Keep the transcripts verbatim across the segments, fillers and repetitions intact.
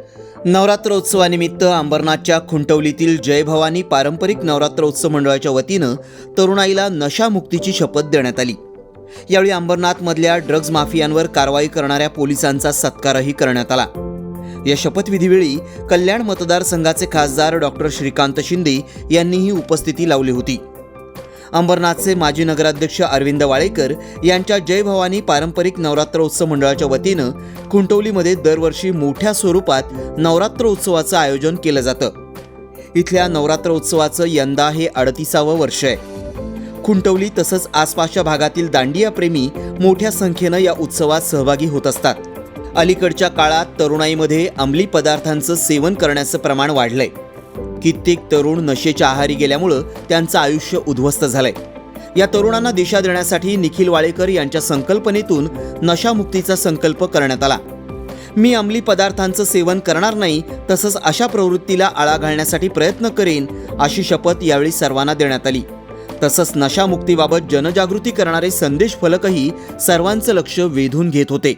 नवरात्रोत्सवानिमित्त अंबरनाथच्या खुंटवलीतील जय भवानी पारंपरिक नवरात्रोत्सव मंडळाच्या वतीनं तरुणाईला नशामुक्तीची शपथ देण्यात आली। यावेळी अंबरनाथमधल्या ड्रग्ज माफियांवर कारवाई करणाऱ्या पोलिसांचा सत्कारही करण्यात आला। या शपथविधीवेळी कल्याण मतदारसंघाचे खासदार डॉक्टर श्रीकांत शिंदे यांनीही उपस्थिती लावली होती। अंबरनाथचे माजी नगराध्यक्ष अरविंद वाळेकर यांच्या जय भवानी पारंपरिक नवरात्रोत्सव मंडळाच्या वतीनं खुंटवलीमध्ये दरवर्षी मोठ्या स्वरूपात नवरात्रोत्सवाचं आयोजन केलं जातं। इथल्या नवरात्रोत्सवाचं यंदा हे अडतीसावं वर्ष आहे। खुंटवली तसंच आसपासच्या भागातील दांडिया प्रेमी मोठ्या संख्येनं या उत्सवात सहभागी होत असतात। अलीकडच्या काळात तरुणाईमध्ये अंमली पदार्थांचं सेवन करण्याचं प्रमाण वाढलंय। कित्येक तरुण नशेच्या आहारी गेल्यामुळं त्यांचं आयुष्य उद्ध्वस्त झालंय। या तरुणांना दिशा देण्यासाठी निखिल वाळेकर यांच्या संकल्पनेतून नशामुक्तीचा संकल्प करण्यात आला। मी अंमली पदार्थांचं सेवन करणार नाही, तसंच अशा प्रवृत्तीला आळा घालण्यासाठी प्रयत्न करेन, अशी शपथ यावेळी सर्वांना देण्यात आली। तसंच नशामुक्तीबाबत जनजागृती करणारे संदेश फलकही सर्वांचं लक्ष वेधून घेत होते।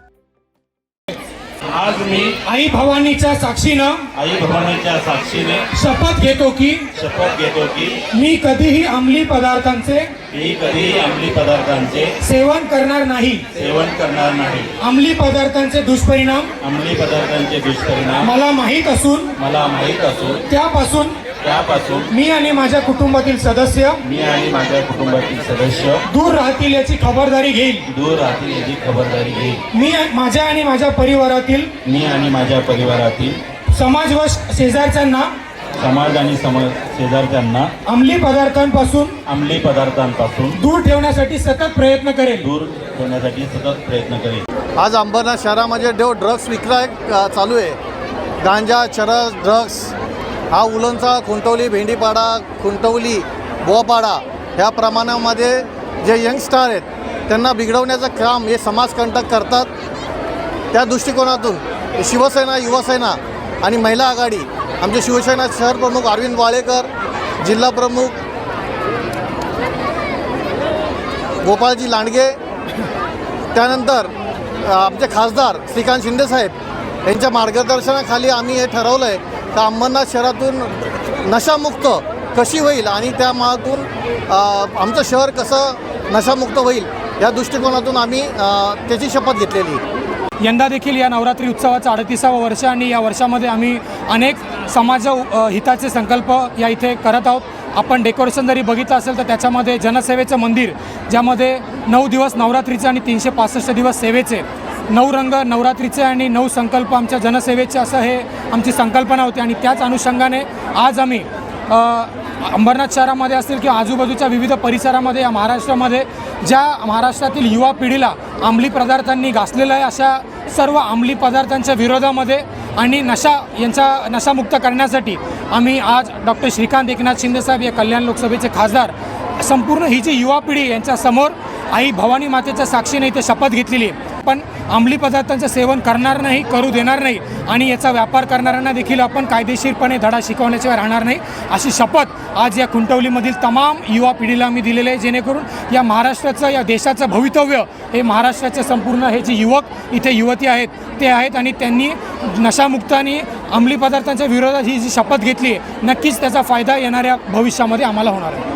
आज मी आई भवानीच्या साक्षीनं आई भवानीच्या साक्षीने शपथ घेतो की शपथ घेतो की मी कधीही अंमली पदार्थांचे मी कधीही अंमली पदार्थांचे सेवन करणार नाही। सेवन करणार नाही। अंमली पदार्थांचे दुष्परिणाम अंमली पदार्थांचे दुष्परिणाम मला माहीत असून मला माहीत असून त्यापासून त्यापासून मी आणि माझ्या कुटुंबातील सदस्य मी आणि माझ्या कुटुंबातील सदस्य दूर राहतील याची खबरदारी घेईल। दूर राहतील याची खबरदारी घेईल। मी माझ्या आणि माझ्या परिवारातील मी आणि माझ्या परिवारातील समाज व शेजारच्यांना समाज आणि समाज शेजारच्यांना अंमली पदार्थांपासून अंमली पदार्थांपासून दूर ठेवण्यासाठी सतत प्रयत्न करेल दूर ठेवण्यासाठी सतत प्रयत्न करेल। आज अंबरनाथ शहरामध्ये जो ड्रग्स विक्रय चालू आहे, गांजा, चरस, ड्रग्स, हा उलनचा खुंटवली, भेंडीपाडा, खुंटवली, बोपाडा ह्या प्रमाणामध्ये जे यंगस्टार आहेत त्यांना बिघडवण्याचं काम हे समाजकंटक करतात। त्या दृष्टिकोनातून शिवसेना, युवासेना आणि महिला आघाडी, आमचे शिवसेना शहर प्रमुख अरविंद वाळेकर, जिल्हा प्रमुख गोपाळजी लांडगे, त्यानंतर आमचे खासदार श्रीकांत शिंदे साहेब यांच्या मार्गदर्शनाखाली आम्ही हे ठरवलं आहे तर अंबरनाथ शहरातून नशामुक्त कशी होईल आणि त्या मागून आमचं शहर कसं नशामुक्त होईल या दृष्टिकोनातून आम्ही त्याची शपथ घेतलेली। यंदा देखील या नवरात्री उत्सवाचं अडतीसावं वर्ष आणि या वर्षामध्ये आम्ही अनेक समाज हिताचे संकल्प या इथे करत आहोत। आपण डेकोरेशन जरी बघितलं असेल तर त्याच्यामध्ये जनसेवेचं मंदिर, ज्यामध्ये नऊ दिवस नवरात्रीचे आणि तीनशे पासष्ट दिवस सेवेचे, नऊ रंग नवरात्रीचे आणि नऊ संकल्प आमच्या जनसेवेचे, असं हे आमची संकल्पना होती। आणि त्याच अनुषंगाने आज आम्ही अंबरनाथ शहरामध्ये असतील किंवा आजूबाजूच्या विविध परिसरामध्ये या महाराष्ट्रामध्ये ज्या महाराष्ट्रातील युवा पिढीला अंमली पदार्थांनी घासलेलं आहे अशा सर्व अंमली पदार्थांच्या विरोधामध्ये आणि नशा यांचा नशामुक्त करण्यासाठी आम्ही आज डॉक्टर श्रीकांत एकनाथ शिंदे साहेब या कल्याण लोकसभेचे खासदार, संपूर्ण ही जी युवा पिढी यांच्यासमोर आई भवानी मातेच्या साक्षीने इथे शपथ घेतलेली आहे। पण अंमली पदार्थांचं सेवन करणार नाही, करू देणार नाही आणि याचा व्यापार करणाऱ्यांना देखील आपण कायदेशीरपणे धडा शिकवण्याशिवाय राहणार नाही, अशी शपथ आज या खुंटवलीमधील तमाम युवा पिढीला आम्ही दिलेली आहे। जेणेकरून या महाराष्ट्राचं, या देशाचं भवितव्य हे महाराष्ट्राचे संपूर्ण हे जे युवक इथे युवती आहेत ते आहेत आणि त्यांनी नशामुक्त आणि अंमली पदार्थांच्या विरोधात ही जी शपथ घेतली आहे, नक्कीच त्याचा फायदा येणाऱ्या भविष्यामध्ये आम्हाला होणार आहे।